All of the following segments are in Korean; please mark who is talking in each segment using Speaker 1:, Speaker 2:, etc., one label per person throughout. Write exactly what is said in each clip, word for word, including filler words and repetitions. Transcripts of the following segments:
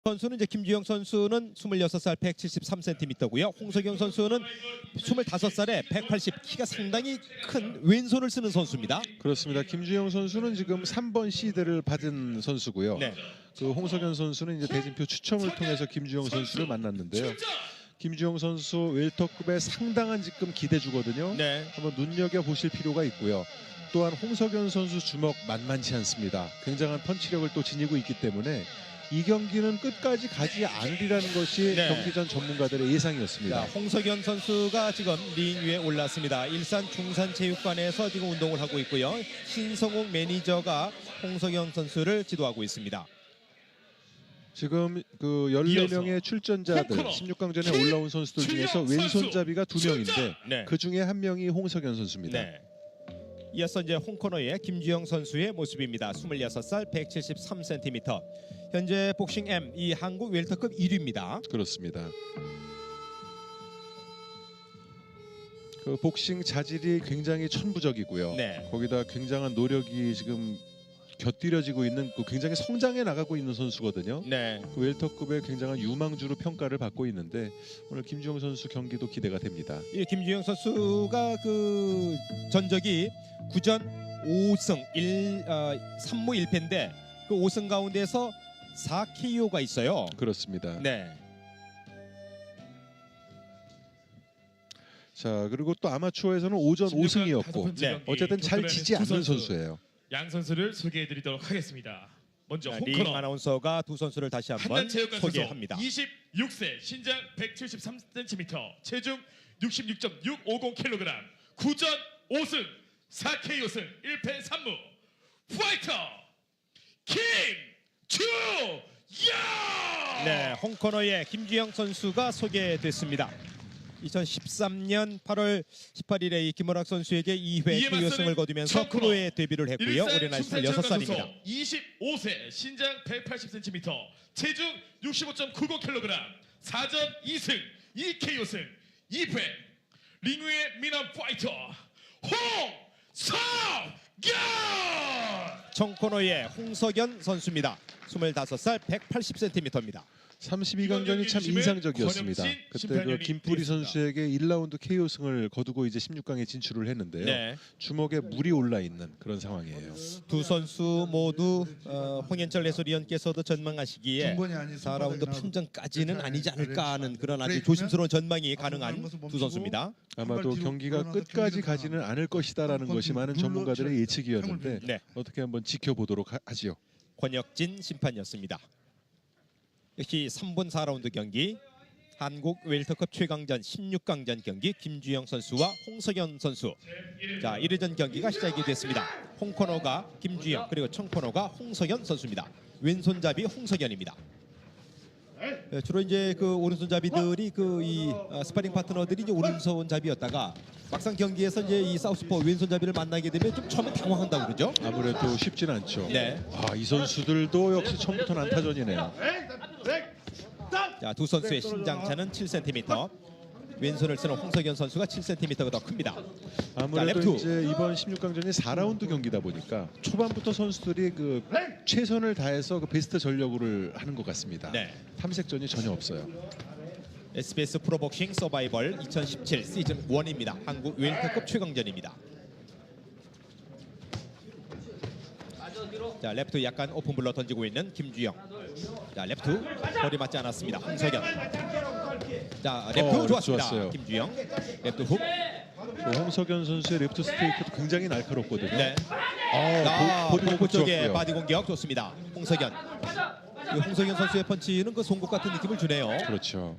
Speaker 1: 선수는 이제 김주영 선수는 스물여섯 살 백칠십삼 센티미터고요. 홍석영 선수는 스물다섯 살에 백팔십, 키가 상당히 큰 왼손을 쓰는 선수입니다.
Speaker 2: 그렇습니다. 김주영 선수는 지금 삼 번 시드를 받은 선수고요.
Speaker 1: 네.
Speaker 2: 그 홍석현 선수는 이제 대진표 추첨을 통해서 김주영 선수를 만났는데요. 김주영 선수 웰터급에 상당한 지금 기대주거든요.
Speaker 1: 네.
Speaker 2: 한번 눈여겨 보실 필요가 있고요. 또한 홍석현 선수 주먹 만만치 않습니다. 굉장한 펀치력을 또 지니고 있기 때문에 이 경기는 끝까지 가지 않으리라는 것이
Speaker 1: 네.
Speaker 2: 경기 전 전문가들의 예상이었습니다.
Speaker 1: 자, 홍석현 선수가 지금 링 위에 올랐습니다. 일산 중산체육관에서 지금 운동을 하고 있고요. 신성욱 매니저가 홍석현 선수를 지도하고 있습니다.
Speaker 2: 지금 그 열네 명의 출전자들 십육 강전에 올라온 선수들 중에서 왼손잡이가 두 명인데
Speaker 1: 네.
Speaker 2: 그 중에 한 명이 홍석현 선수입니다.
Speaker 1: 네. 이어서 이제 홍코너의 김주영 선수의 모습입니다. 스물여섯 살 백칠십삼 센티미터. 현재 복싱 M 이 한국 웰터급 일 위입니다.
Speaker 2: 그렇습니다. 그 복싱 자질이 굉장히 천부적이고요.
Speaker 1: 네.
Speaker 2: 거기다 굉장한 노력이 지금 곁들여지고 있는 그 굉장히 성장해 나가고 있는 선수거든요.
Speaker 1: 네.
Speaker 2: 그 웰터급의 굉장한 유망주로 평가를 받고 있는데 오늘 김주영 선수 경기도 기대가 됩니다.
Speaker 1: 이 김주영 선수가 그 전적이 구 전 오 승 일, 어, 삼 무 일 패인데 그 오 승 가운데서 사 케이오가 있어요.
Speaker 2: 그렇습니다.
Speaker 1: 네.
Speaker 2: 자, 그리고 또 아마추어에서는 오 전 오 승이었고
Speaker 1: 네.
Speaker 2: 어쨌든 잘 지지 않는 선수예요.
Speaker 3: 양 선수를 소개해드리도록 하겠습니다. 먼저
Speaker 1: 자, 링
Speaker 3: 홍코너
Speaker 1: 아나운서가 두 선수를 다시 한번
Speaker 3: 한남체육관 선수
Speaker 1: 소개합니다.
Speaker 3: 이십육 세 신장 백칠십삼 센티미터 체중 육십육 점 육오공 킬로그램 구 전 오 승 사 케이오 승 일 패 삼 무 파이터 김주영.
Speaker 1: 네, 홍코너의 김주영 선수가 소개됐습니다. 이천십삼 년 팔월 십팔 일에 이 김원학 선수에게 이 회
Speaker 3: 이에
Speaker 1: 케이오 승을
Speaker 3: 맞서는
Speaker 1: 거두면서
Speaker 3: 청코너
Speaker 1: 프로에 데뷔를 했고요. 올해 나이 스물여섯 살입니다.
Speaker 3: 이십오 세 신장 백팔십 센티미터 체중 육십오 점 구공 킬로그램 사 전 이 승 이 케이오 승 이 패 링 위의 미남 파이터 홍석현.
Speaker 1: 청코너의 홍석현 선수입니다. 스물다섯 살 백팔십 센티미터입니다.
Speaker 2: 삼십이 강전이 참 인상적이었습니다. 그때 그 김뿌리 선수에게 일 라운드 케이오 승을 거두고 이제 십육 강에 진출을 했는데요.
Speaker 1: 네.
Speaker 2: 주먹에 물이 올라 있는 그런 상황이에요.
Speaker 1: 두 선수 모두 어, 홍현철 해설위원께서도 전망하시기에
Speaker 4: 중본이 아닌
Speaker 1: 사 라운드
Speaker 4: 손바닥이
Speaker 1: 판정까지는
Speaker 4: 나오고
Speaker 1: 아니지 않을까 하는 그런 아주
Speaker 4: 그래,
Speaker 1: 조심스러운 전망이
Speaker 4: 앞으로
Speaker 1: 가능한
Speaker 4: 가는 것을
Speaker 1: 두
Speaker 4: 멈추고
Speaker 1: 선수입니다.
Speaker 2: 아마도
Speaker 4: 한발 뒤로
Speaker 2: 경기가
Speaker 4: 물러나서
Speaker 2: 끝까지
Speaker 4: 경기를
Speaker 2: 가지는 않을 것이다라는
Speaker 4: 한번
Speaker 2: 것이 많은
Speaker 4: 눌러
Speaker 2: 전문가들의
Speaker 4: 쳐-
Speaker 2: 예측이었는데
Speaker 1: 네.
Speaker 2: 어떻게 한번 지켜보도록 하, 하지요.
Speaker 1: 권혁진 심판이었습니다. 역시 삼 분 사 라운드 경기 한국 웰터컵 최강전 십육 강전 경기 김주영 선수와 홍석현 선수. 자, 일 회전 경기가 시작이 됐습니다. 홍코너가 김주영 그리고 청코너가 홍석현 선수입니다. 왼손잡이 홍석현입니다. 예, 주로 이제 그 오른손잡이들이 그 이 스파링 파트너들이 이제 오른손잡이였다가 막상 경기에서 이제 이 사우스포 왼손잡이를 만나게 되면 좀 처음에 당황한다고 그러죠.
Speaker 2: 아무래도 쉽진 않죠.
Speaker 1: 네.
Speaker 2: 아, 이 선수들도 역시 처음부터 난타전이네요.
Speaker 1: 자, 두 선수의 신장차는 칠 센티미터. 왼손을 쓰는 홍석현 선수가 칠 센티미터가 더 큽니다.
Speaker 2: 아무래도
Speaker 1: 자, 랩투.
Speaker 2: 이제 이번 십육 강전이 사 라운드 경기다 보니까 초반부터 선수들이 그 최선을 다해서 그 베스트 전력을 하는 것 같습니다.
Speaker 1: 네.
Speaker 2: 탐색전이 전혀 없어요.
Speaker 1: 에스비에스 프로복싱 서바이벌 이천십칠 시즌 일입니다. 한국 웰터급 최강전입니다. 자, 레프트 약간 오픈블러 던지고 있는 김주영. 자, 레프트 거리 맞지 않았습니다. 홍석현. 자, 레프트
Speaker 2: 어,
Speaker 1: 좋았습니다.
Speaker 2: 좋았어요.
Speaker 1: 김주영. 레프트 훅.
Speaker 2: 또 홍석현 선수의 레프트 스트레이트도 굉장히 날카롭거든요.
Speaker 1: 네.
Speaker 2: 아,
Speaker 1: 아,
Speaker 2: 보- 보디
Speaker 1: 복부 쪽에
Speaker 2: 좋았고요.
Speaker 1: 바디 공격 좋습니다. 홍석현. 이 홍석현 선수의 펀치는 그 송곳 같은 느낌을 주네요.
Speaker 2: 그렇죠.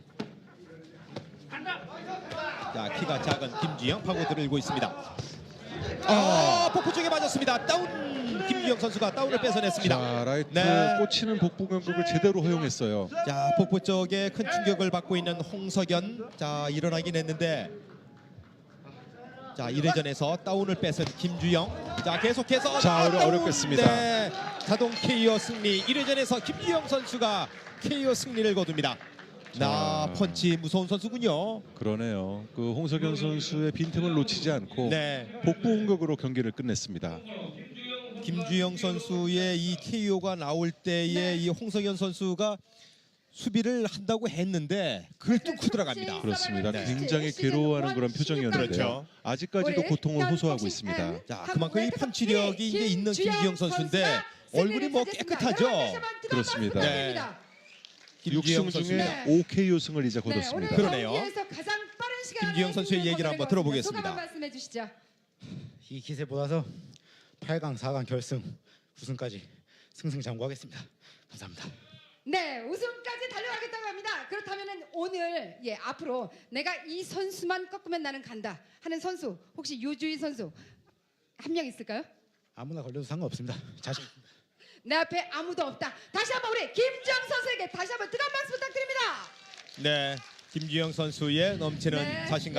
Speaker 1: 자, 키가 작은 김주영 파고들을 일고 있습니다. 아, 복부 쪽에 맞았습니다. 다운. 김주영 선수가 다운을 뺏어냈습니다.
Speaker 2: 자, 라이트
Speaker 1: 네.
Speaker 2: 꽂히는 복부 공격을 제대로 허용했어요.
Speaker 1: 자, 복부 쪽에 큰 충격을 받고 있는 홍석현. 자, 일어나긴 했는데 자, 일 회전에서 다운을 뺏은 김주영. 자, 계속해서
Speaker 2: 자, 어려-
Speaker 1: 다운!
Speaker 2: 어렵겠습니다.
Speaker 1: 네, 자동 케이오 승리. 일 회전에서 김주영 선수가 케이오 승리를 거둡니다. 나
Speaker 2: 자.
Speaker 1: 펀치 무서운 선수군요.
Speaker 2: 그러네요. 그 홍석현 선수의 빈틈을 놓치지 않고
Speaker 1: 네.
Speaker 2: 복부 공격으로 경기를 끝냈습니다.
Speaker 1: 김주영 선수의 이 케이오가 나올 때의 이 홍석현 선수가 수비를 한다고 했는데 그걸 뚫고 들어갑니다.
Speaker 2: 그렇습니다.
Speaker 1: 네.
Speaker 2: 굉장히 괴로워하는 그런 표정이었는데요.
Speaker 1: 그렇죠.
Speaker 2: 아직까지도 고통을 호소하고 있습니다.
Speaker 1: 자, 그만큼 이 펀치력이 이제 있는 김주영 선수인데 얼굴이 뭐 깨끗하죠.
Speaker 2: 그렇습니다.
Speaker 1: 네.
Speaker 2: 육
Speaker 1: 김주영
Speaker 2: 승
Speaker 1: 선수.
Speaker 2: 중에
Speaker 4: 네.
Speaker 2: 오 케이오 승을 이제 거뒀습니다.
Speaker 1: 그러네요.
Speaker 4: 김주영
Speaker 1: 김주영 선수의 얘기를 한번 들어보겠습니다.
Speaker 4: 소감 말씀해 주시죠.
Speaker 5: 이 기세 보다서 팔 강, 사 강 결승, 우승까지 승승장구하겠습니다. 감사합니다.
Speaker 4: 네, 우승까지 달려가겠다고 합니다. 그렇다면은 오늘 예 앞으로 내가 이 선수만 꺾으면 나는 간다 하는 선수 혹시 유주희 선수 한 명 있을까요?
Speaker 5: 아무나 걸려도 상관없습니다. 자신 있습니다.
Speaker 4: 내 앞에 아무도 없다. 다시 한번 우리 김주영 선수에게 다시 한번 뜨거운 박수 부탁드립니다.
Speaker 1: 네, 김주영 선수의 넘치는
Speaker 4: 네.
Speaker 1: 자신감.